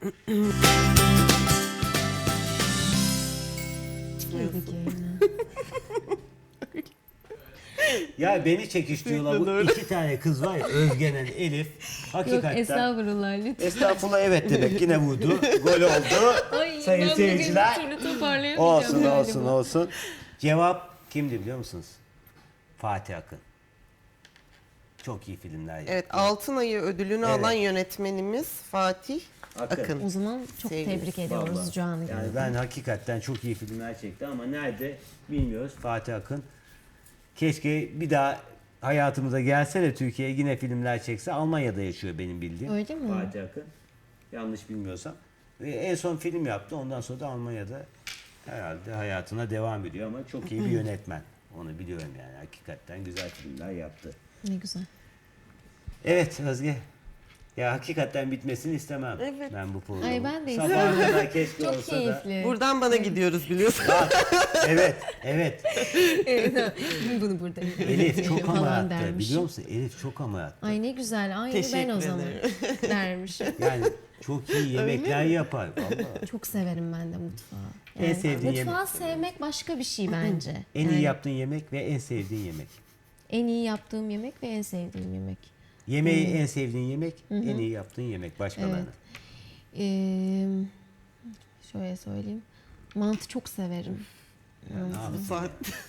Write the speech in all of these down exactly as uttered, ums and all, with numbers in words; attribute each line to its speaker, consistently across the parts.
Speaker 1: Ya beni çekiştiriyorlar bu iki tane kız var ya, Özgenen, Elif. Hakikaten.
Speaker 2: Yok estağfurullah lütfen.
Speaker 1: Estağfurullah, evet demek, yine vurdu. Gol oldu.
Speaker 2: Ay,
Speaker 1: Sayın
Speaker 2: ben
Speaker 1: seyirciler.
Speaker 2: bugün bir türlü toparlayamayacağım
Speaker 1: Olsun
Speaker 2: galiba.
Speaker 1: olsun olsun. Cevap kimdi biliyor musunuz? Fatih Akın. Çok iyi filmler yaptı.
Speaker 3: Evet, Altın Ayı ödülünü
Speaker 1: Evet.
Speaker 3: alan yönetmenimiz Fatih
Speaker 1: Akın.
Speaker 3: Akın.
Speaker 2: O zaman çok
Speaker 3: Sevgili.
Speaker 2: tebrik ediyoruz
Speaker 1: Vallahi.
Speaker 2: Can'ı.
Speaker 1: Yani ben hakikaten çok iyi filmler çekti ama nerede bilmiyoruz Fatih Akın. Keşke bir daha hayatımıza gelse de Türkiye'ye yine filmler çekse. Almanya'da yaşıyor benim bildiğim.
Speaker 2: Öyle mi?
Speaker 1: Fatih Akın. Yanlış bilmiyorsam. Ve en son film yaptı. Ondan sonra da Almanya'da herhalde hayatına devam ediyor ama çok iyi bir yönetmen. Onu biliyorum yani. Hakikaten güzel filmler yaptı.
Speaker 2: Ne güzel.
Speaker 1: Evet Özge. Ya hakikaten bitmesini istemem
Speaker 3: Evet.
Speaker 1: ben bu programı.
Speaker 2: Ay, ben de
Speaker 1: Sabaha
Speaker 2: istemem.
Speaker 1: kadar keşke
Speaker 2: Çok
Speaker 1: olsa da.
Speaker 2: keyifli.
Speaker 3: Buradan bana gidiyoruz biliyorsun.
Speaker 1: Evet, evet.
Speaker 2: Evet, bunu burada.
Speaker 1: Elif çok
Speaker 2: falan
Speaker 1: amarattı.
Speaker 2: dermiş.
Speaker 1: Biliyor musun? Elif çok amarattı.
Speaker 2: Ay ne güzel. Aynı ben
Speaker 3: Teşekkür
Speaker 2: o zaman
Speaker 3: ederim.
Speaker 2: dermişim.
Speaker 1: Yani çok iyi yemekler yapar vallahi.
Speaker 2: Çok severim ben de mutfağı.
Speaker 1: En sevdiğin
Speaker 2: mutfağı
Speaker 1: yemek.
Speaker 2: sevmek başka bir şey bence.
Speaker 1: En
Speaker 2: Yani
Speaker 1: iyi yaptığın yemek ve en sevdiğin yemek.
Speaker 2: en iyi yaptığım yemek ve en sevdiğim yemek.
Speaker 1: Yemeği en sevdiğin yemek, en iyi yaptığın yemek başkalarına.
Speaker 2: Evet. Ee, şöyle söyleyeyim. Mantı çok severim.
Speaker 1: Ne yapayım?
Speaker 3: Saat.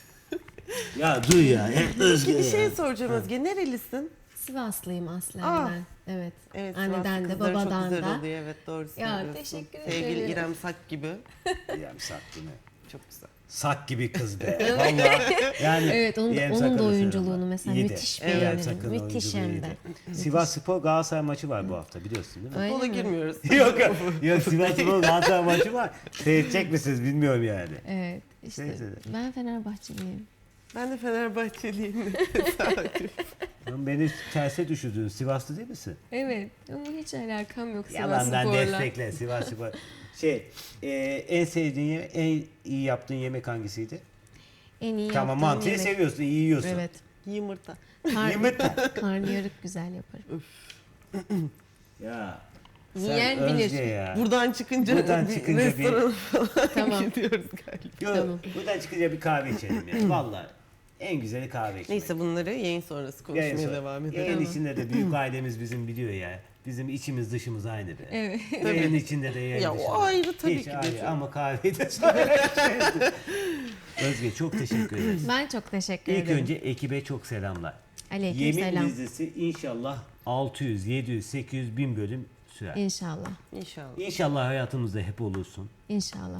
Speaker 1: Ya dur ya. Hep Özge
Speaker 3: Bir
Speaker 1: ya.
Speaker 3: şey soracağım Özge. Nerelisin?
Speaker 2: Sivaslıyım aslen
Speaker 3: Aa.
Speaker 2: ben. Evet.
Speaker 3: Evet,
Speaker 2: Anneden
Speaker 3: Sivaslı
Speaker 2: de
Speaker 3: kızları
Speaker 2: babadan
Speaker 3: çok güzel
Speaker 2: da.
Speaker 3: oluyor. Evet, doğru
Speaker 2: Ya,
Speaker 3: söylüyorsun.
Speaker 2: teşekkür
Speaker 3: Sevgili
Speaker 2: ederim.
Speaker 3: İrem Sak gibi.
Speaker 1: İrem Sak değil mi?
Speaker 3: Çok güzel.
Speaker 1: Sak gibi kız be. Vallahi yani
Speaker 2: Evet, onun,
Speaker 1: İrem
Speaker 2: onun da
Speaker 1: Sak'ın
Speaker 2: oyunculuğunu
Speaker 1: ısırımı.
Speaker 2: mesela
Speaker 1: İyiydi.
Speaker 2: müthiş
Speaker 1: İrem
Speaker 2: beğenirim.
Speaker 1: Sak'ın
Speaker 2: Müthiş
Speaker 1: oyunculuğu
Speaker 2: hem de.
Speaker 1: iyiydi. Sivas Spor Galatasaray maçı var bu hafta biliyorsun değil mi?
Speaker 2: Öyle
Speaker 3: Futbola
Speaker 2: mi?
Speaker 3: girmiyoruz.
Speaker 1: yok yok. Yok Sivas Spor Galatasaray maçı var. Seyredecek misiniz bilmiyorum yani.
Speaker 2: Evet. işte
Speaker 1: Neyse.
Speaker 2: ben Fenerbahçeliyim.
Speaker 3: Ben de Fenerbahçeliyim.
Speaker 1: Lan beni terse düşürdün. Sivaslı değil misin?
Speaker 2: Evet. Ama hiç alakam yok Sivas
Speaker 1: Yalandan
Speaker 2: Spor'la.
Speaker 1: destekle Sivas Spor. Şey, e, en sevdiğin yemek, en iyi yaptığın yemek hangisiydi?
Speaker 2: En iyi
Speaker 1: Tamam,
Speaker 2: yaptığım
Speaker 1: mantıyı
Speaker 2: yemek.
Speaker 1: seviyorsun, iyi yiyorsun.
Speaker 2: Evet.
Speaker 3: Yumurta.
Speaker 2: Kar,
Speaker 1: Yumurta.
Speaker 2: karnıyarık güzel yaparım.
Speaker 1: Ya.
Speaker 2: Yiyen
Speaker 1: sen
Speaker 2: bilir.
Speaker 1: Özge ya.
Speaker 3: Buradan çıkınca
Speaker 1: Buradan
Speaker 3: bir
Speaker 1: çıkınca bir-
Speaker 3: restorana falan
Speaker 2: Tamam.
Speaker 3: gidiyoruz galiba.
Speaker 1: Yok,
Speaker 2: Tamam.
Speaker 1: buradan çıkınca bir kahve içelim ya. Vallahi en güzeli kahve içmek.
Speaker 3: Neyse bunları yayın sonrası konuşmaya
Speaker 1: Yayın sonra-
Speaker 3: devam edelim.
Speaker 1: Yayın
Speaker 2: Tamam.
Speaker 1: içinde de büyük ailemiz bizim biliyor ya. Bizim içimiz dışımız aynı be.
Speaker 2: Evet.
Speaker 1: Yayın içinde de yayın
Speaker 3: Ya o
Speaker 1: dışında.
Speaker 3: ayrı tabii
Speaker 1: Hiç
Speaker 3: ki de
Speaker 1: ayrı
Speaker 3: çok.
Speaker 1: ama kahveyi de sonra Özge çok teşekkür ederiz.
Speaker 2: Ben çok teşekkür
Speaker 1: İlk
Speaker 2: ederim.
Speaker 1: önce ekibe çok selamlar.
Speaker 2: Aleyküm
Speaker 1: Yemin
Speaker 2: selam.
Speaker 1: dizisi inşallah altı yüz, yedi yüz, sekiz yüz, bin bölüm sürer.
Speaker 2: İnşallah.
Speaker 3: İnşallah.
Speaker 1: İnşallah hayatımızda hep olursun.
Speaker 2: İnşallah.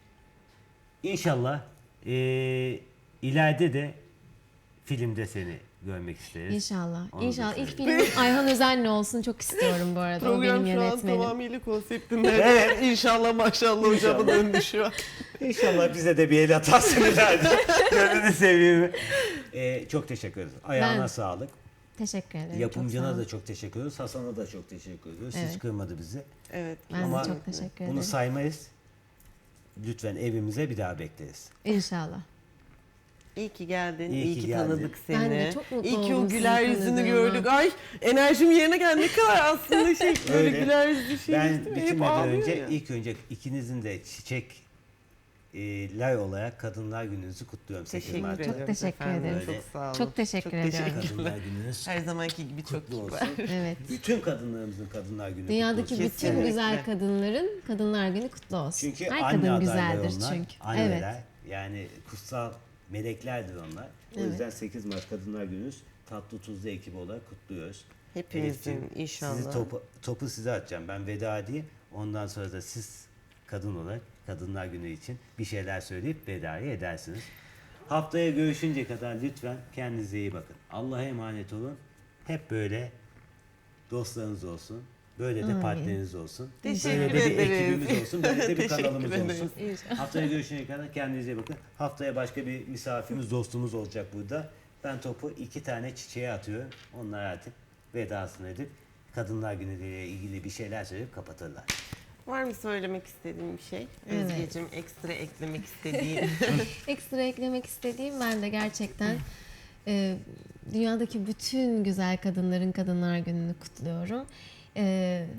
Speaker 1: İnşallah eee ileride de filmde seni görmek isteriz.
Speaker 2: İnşallah.
Speaker 1: Onu da
Speaker 2: İnşallah. İlk
Speaker 1: söyleyeyim.
Speaker 2: filmim Ayhan Özen'le olsun. Çok istiyorum bu arada. o benim
Speaker 3: Program şu an
Speaker 2: yönetmenim.
Speaker 3: tamamıyla konseptinde. Evet. İnşallah maşallah hocamın döndü şu an.
Speaker 1: İnşallah bize de bir el atarsın ileride. Gönlünü seveyim. Eee çok teşekkür ederiz. Ayağına
Speaker 2: Ben-
Speaker 1: sağlık.
Speaker 2: Teşekkür ederim.
Speaker 1: Yapımcına
Speaker 2: çok sağ
Speaker 1: da
Speaker 2: ol.
Speaker 1: çok teşekkür ediyoruz. Hasan'a da çok teşekkür ediyoruz. Hiç
Speaker 2: Evet.
Speaker 1: kırmadı bizi.
Speaker 3: Evet.
Speaker 2: Ben
Speaker 1: Ama
Speaker 2: de çok teşekkür ederim.
Speaker 1: Bunu saymayız. Lütfen evimize bir daha bekleriz.
Speaker 2: İnşallah.
Speaker 3: İyi ki geldin.
Speaker 1: İyi
Speaker 3: İyi,
Speaker 1: ki
Speaker 3: ki,
Speaker 1: geldin.
Speaker 3: tanıdık seni.
Speaker 2: Ben de çok mutlu
Speaker 3: İyi ki
Speaker 2: oldum
Speaker 3: o güler
Speaker 2: sizi
Speaker 3: yüzünü
Speaker 2: tanıdığıma.
Speaker 3: gördük. Ay enerjim yerine geldi. Ne kadar aslında şey böyle
Speaker 1: Öyle.
Speaker 3: güler yüzlü şey.
Speaker 1: Ben
Speaker 3: değil mi? Hep
Speaker 1: bitirmeden
Speaker 3: ağlıyor
Speaker 1: önce
Speaker 3: ya.
Speaker 1: ilk önce ikinizin de çiçek e, lay olarak Kadınlar Gününüzü kutluyorum. sekiz
Speaker 3: Teşekkür
Speaker 1: Mart.
Speaker 3: ederim.
Speaker 2: Çok teşekkür
Speaker 3: efendim.
Speaker 2: ederim.
Speaker 3: Çok sağ olun.
Speaker 2: Çok teşekkür
Speaker 3: Çok
Speaker 2: ediyorum.
Speaker 3: teşekkürler.
Speaker 1: Kadınlar Gününüz
Speaker 3: Her zamanki gibi çok
Speaker 1: kutlu
Speaker 3: kibar.
Speaker 1: olsun.
Speaker 2: Evet.
Speaker 1: Bütün kadınlarımızın Kadınlar Günü
Speaker 2: Dünyadaki
Speaker 1: kutlu olsun.
Speaker 2: bütün
Speaker 3: Kesinlikle.
Speaker 2: güzel kadınların Kadınlar Günü kutlu olsun.
Speaker 1: Çünkü
Speaker 2: Her
Speaker 1: anne
Speaker 2: kadın
Speaker 1: adayları
Speaker 2: güzeldir
Speaker 1: onlar,
Speaker 2: çünkü.
Speaker 1: anneler.
Speaker 2: Evet.
Speaker 1: Yani kutsal meleklerdir onlar. O
Speaker 2: Evet.
Speaker 1: yüzden sekiz Mart Kadınlar Günü'nüz tatlı tuzlu ekibi olarak kutluyoruz.
Speaker 3: Hepimizin
Speaker 1: Elifciğim,
Speaker 3: inşallah.
Speaker 1: Sizi topu, topu size atacağım. Ben veda edeyim. Ondan sonra da siz kadın olarak Kadınlar Günü için bir şeyler söyleyip vedayı edersiniz. Haftaya görüşünce kadar lütfen kendinize iyi bakın. Allah'a emanet olun. Hep böyle dostlarınız olsun. Böyle de
Speaker 2: Amin.
Speaker 1: partneriniz olsun.
Speaker 3: Teşekkür
Speaker 1: böyle de bir
Speaker 3: ederiz.
Speaker 1: ekibimiz olsun. Böyle de bir
Speaker 3: Teşekkür
Speaker 1: kanalımız
Speaker 3: ederiz.
Speaker 1: olsun.
Speaker 2: İnşallah.
Speaker 1: Haftaya görüşene kadar kendinize iyi bakın. Haftaya başka bir misafirimiz, dostumuz olacak burada. Ben topu iki tane çiçeğe atıyorum. Onlar artık vedasını edip Kadınlar Günü ile ilgili bir şeyler söyleyip kapatırlar.
Speaker 3: Var mı söylemek istediğin bir şey?
Speaker 2: Evet.
Speaker 3: Özgeciğim ekstra eklemek istediğin.
Speaker 2: Ekstra eklemek istediğim ben de gerçekten e, dünyadaki bütün güzel kadınların Kadınlar Günü'nü kutluyorum. E,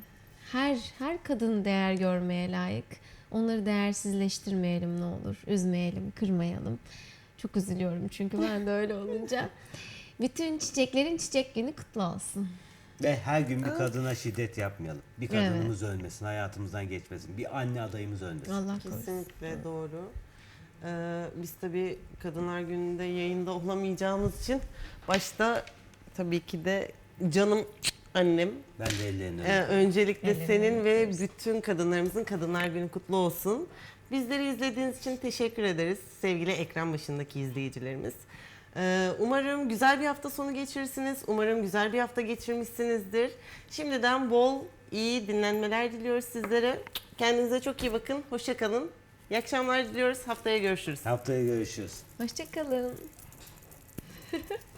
Speaker 2: her her kadın değer görmeye layık. Onları değersizleştirmeyelim ne olur. Üzmeyelim, kırmayalım. Çok üzülüyorum çünkü ben de öyle olunca. Bütün çiçeklerin çiçek günü kutlu olsun.
Speaker 1: Ve her gün bir kadına şiddet yapmayalım. Bir kadınımız ölmesin, hayatımızdan geçmesin. Bir anne adayımız ölmesin.
Speaker 2: Allah korusun.
Speaker 3: Kesinlikle doğru. Ee, biz tabii Kadınlar Günü'nde yayında olamayacağımız için başta tabii ki de canım annem.
Speaker 1: Ben de ellerini
Speaker 3: Ee,
Speaker 1: öpüyorum.
Speaker 3: öncelikle
Speaker 2: Ellerini
Speaker 3: senin ve
Speaker 2: öpüyoruz.
Speaker 3: bütün kadınlarımızın Kadınlar Günü kutlu olsun. Bizleri izlediğiniz için teşekkür ederiz sevgili ekran başındaki izleyicilerimiz. Ee, umarım güzel bir hafta sonu geçirirsiniz. Umarım güzel bir hafta geçirmişsinizdir. Şimdiden bol iyi dinlenmeler diliyoruz sizlere. Kendinize çok iyi bakın. Hoşça kalın. İyi akşamlar diliyoruz. Haftaya görüşürüz.
Speaker 1: Haftaya görüşürüz.
Speaker 2: Hoşçakalın.